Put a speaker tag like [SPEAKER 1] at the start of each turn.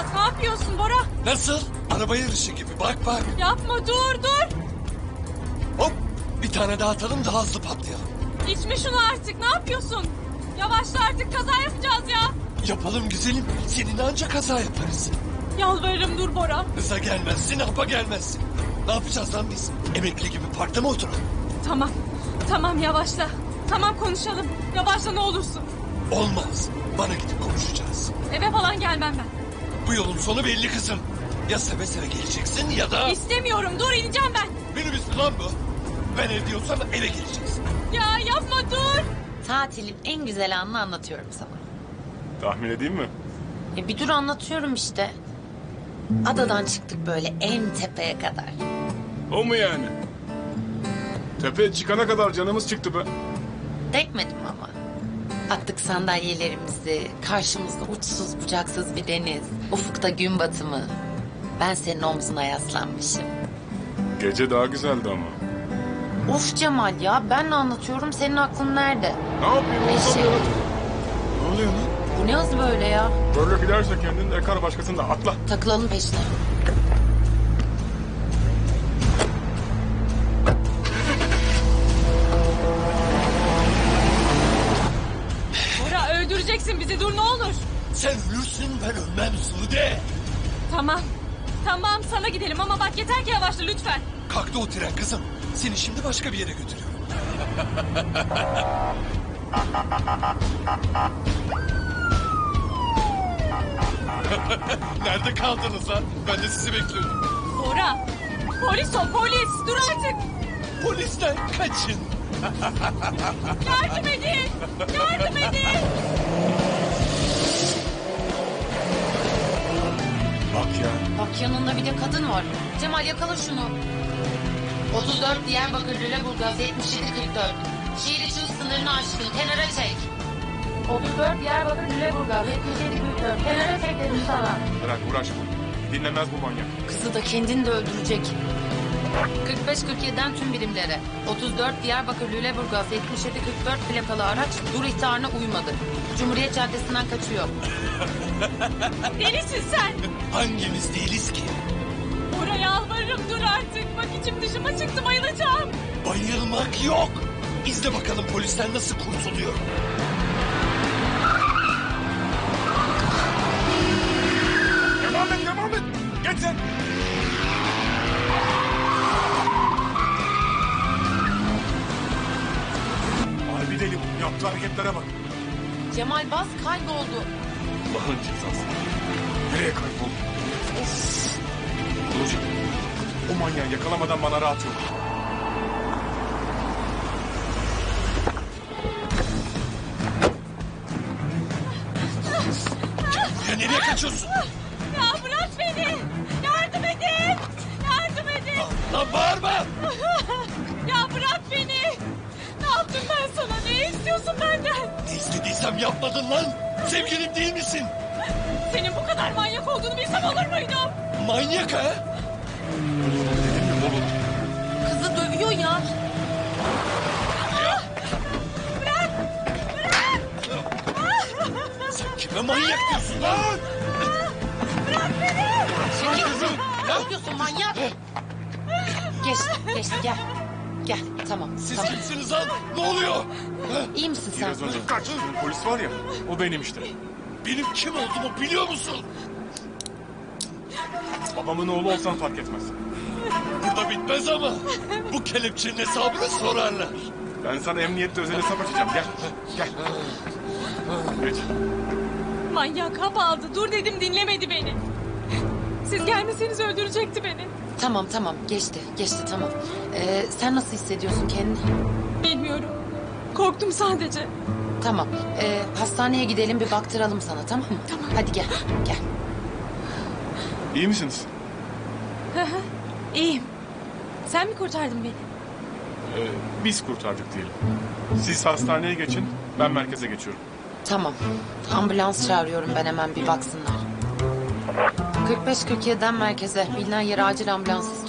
[SPEAKER 1] Murat, ne yapıyorsun Bora?
[SPEAKER 2] Nasıl? Araba yarışı gibi, bak bak.
[SPEAKER 1] Yapma, dur.
[SPEAKER 2] Hop, bir tane daha atalım, daha hızlı patlayalım.
[SPEAKER 1] İçme şunu artık, ne yapıyorsun? Yavaşla artık, kaza yapacağız ya.
[SPEAKER 2] Yapalım güzelim, seninle ancak kaza yaparız.
[SPEAKER 1] Yalvarırım dur Bora.
[SPEAKER 2] Hıza gelmezsin, hapa gelmezsin. Ne yapacağız lan biz? Emekli gibi parkta mı oturalım?
[SPEAKER 1] Tamam yavaşla. Tamam konuşalım. Yavaşla ne olursun.
[SPEAKER 2] Olmaz, bana gidip konuşacağız.
[SPEAKER 1] Eve falan gelmem ben.
[SPEAKER 2] Bu yolun sonu belli kızım. Ya seve seve geleceksin ya da...
[SPEAKER 1] İstemiyorum, dur ineceğim ben.
[SPEAKER 2] Minibüs mü lan bu? Ben ev diyorsam eve geleceksin.
[SPEAKER 1] Ya yapma dur.
[SPEAKER 3] Tatilin en güzel anını anlatıyorum sana.
[SPEAKER 4] Tahmin edeyim mi?
[SPEAKER 3] Bir dur anlatıyorum işte. Adadan çıktık böyle en tepeye kadar.
[SPEAKER 4] O mu yani? Tepeye çıkana kadar canımız çıktı be.
[SPEAKER 3] Değmedim ama. Attık sandalyelerimizi, karşımızda uçsuz bucaksız bir deniz, ufukta gün batımı. Ben senin omzuna yaslanmışım.
[SPEAKER 4] Gece daha güzeldi ama.
[SPEAKER 3] Of Cemal ya, ben de anlatıyorum, senin aklın nerede?
[SPEAKER 4] Ne yapayım?
[SPEAKER 3] Eşek.
[SPEAKER 4] Ne oluyor lan?
[SPEAKER 3] Bu ne hız böyle ya?
[SPEAKER 4] Böyle giderse kendin de yakar başkasını da atla.
[SPEAKER 3] Takılalım peşine.
[SPEAKER 1] Bora öldüreceksin bizi, dur ne olur.
[SPEAKER 2] Sen ölürsün, ben ölmem Sude.
[SPEAKER 1] Tamam sana gidelim ama bak yeter ki yavaşla lütfen.
[SPEAKER 2] Kalktı o tren kızım. Seni şimdi başka bir yere götürüyorum. Nerede kaldınız lan? Ben de sizi bekliyorum.
[SPEAKER 1] Bora, polis o polis, dur artık.
[SPEAKER 2] Polisten kaçın.
[SPEAKER 1] Yardım edin, yardım edin.
[SPEAKER 4] Bak ya.
[SPEAKER 3] Bak yanında bir de kadın var. Cemal yakala şunu. 34 Diyarbakır Lüleburgaz 7744. Şehir içi hız sınırını aşkın. Kenara çek. 34 Diyarbakır Lüleburgaz 7744. Kenara çek dedim sana.
[SPEAKER 4] Bırak uğraşma. Dinlemez bu manyak.
[SPEAKER 3] Kızı da kendini de öldürecek. 45-47'den tüm birimlere. 34 Diyarbakır Lüleburgaz 7744 plakalı araç dur ihtarına uymadı. Cumhuriyet Caddesi'nden kaçıyor.
[SPEAKER 1] Delisin sen.
[SPEAKER 2] Hangimiz değiliz ki?
[SPEAKER 1] Bora yalvarırım dur artık. Bak içim dışıma çıktı, bayılacağım.
[SPEAKER 2] Bayılmak yok. İzle bakalım polisten nasıl kurtuluyor.
[SPEAKER 4] Devam et. Geç sen. Harbi deli bu. Yaptığı hareketlere bak.
[SPEAKER 3] Cemal bas kayboldu.
[SPEAKER 4] Allah'ın cezası. Nereye kayboldu? Of. Olacak. O manyağı yakalamadan bana rahat yok.
[SPEAKER 2] Ya nereye kaçıyorsun?
[SPEAKER 1] Ya bırak beni. Yardım edin. Yardım edin.
[SPEAKER 2] Lan bağırma.
[SPEAKER 1] Ya bırak beni. Ne yaptım ben sana? Ne istiyorsun benden?
[SPEAKER 2] Ne istediysem yapmadın lan. Sevgilim değil misin?
[SPEAKER 1] Senin bu kadar manyak olduğunu bilsem olur muydum?
[SPEAKER 2] Manyak ha?
[SPEAKER 4] Dedim mi oğlum?
[SPEAKER 3] Kızı dövüyor ya.
[SPEAKER 2] Sen kime manyak diyorsun lan?
[SPEAKER 3] Çekil kızım. Ne yapıyorsun manyak? Geçti gel. Gel tamam.
[SPEAKER 2] Siz
[SPEAKER 3] tamam.
[SPEAKER 2] kimsiniz lan? Ne oluyor? Ha?
[SPEAKER 3] İyi misin sen?
[SPEAKER 4] Biraz önce kaçtığın polis var ya. O benim işte.
[SPEAKER 2] Benim kim olduğumu biliyor musun?
[SPEAKER 4] Babamın oğlu olsan fark etmez.
[SPEAKER 2] Burada bitmez ama. Bu kelepçenin hesabını sorarlar.
[SPEAKER 4] Ben sana emniyette özel hesap açacağım. Gel. Gel. Geç.
[SPEAKER 1] Manyak hap aldı. Dur dedim dinlemedi beni. Siz gelmeseniz öldürecekti beni.
[SPEAKER 3] Tamam geçti tamam. Sen nasıl hissediyorsun kendini?
[SPEAKER 1] Bilmiyorum. Korktum sadece.
[SPEAKER 3] Tamam. Hastaneye gidelim bir baktıralım sana tamam mı? Tamam. Hadi gel.
[SPEAKER 4] İyi misiniz?
[SPEAKER 1] İyiyim. Sen mi kurtardın beni?
[SPEAKER 4] Biz kurtardık diyelim. Siz hastaneye geçin. Ben merkeze geçiyorum.
[SPEAKER 3] Tamam. Ambulans çağırıyorum ben hemen bir baksınlar. 45-47'den merkeze. Bilinen yere acil ambulans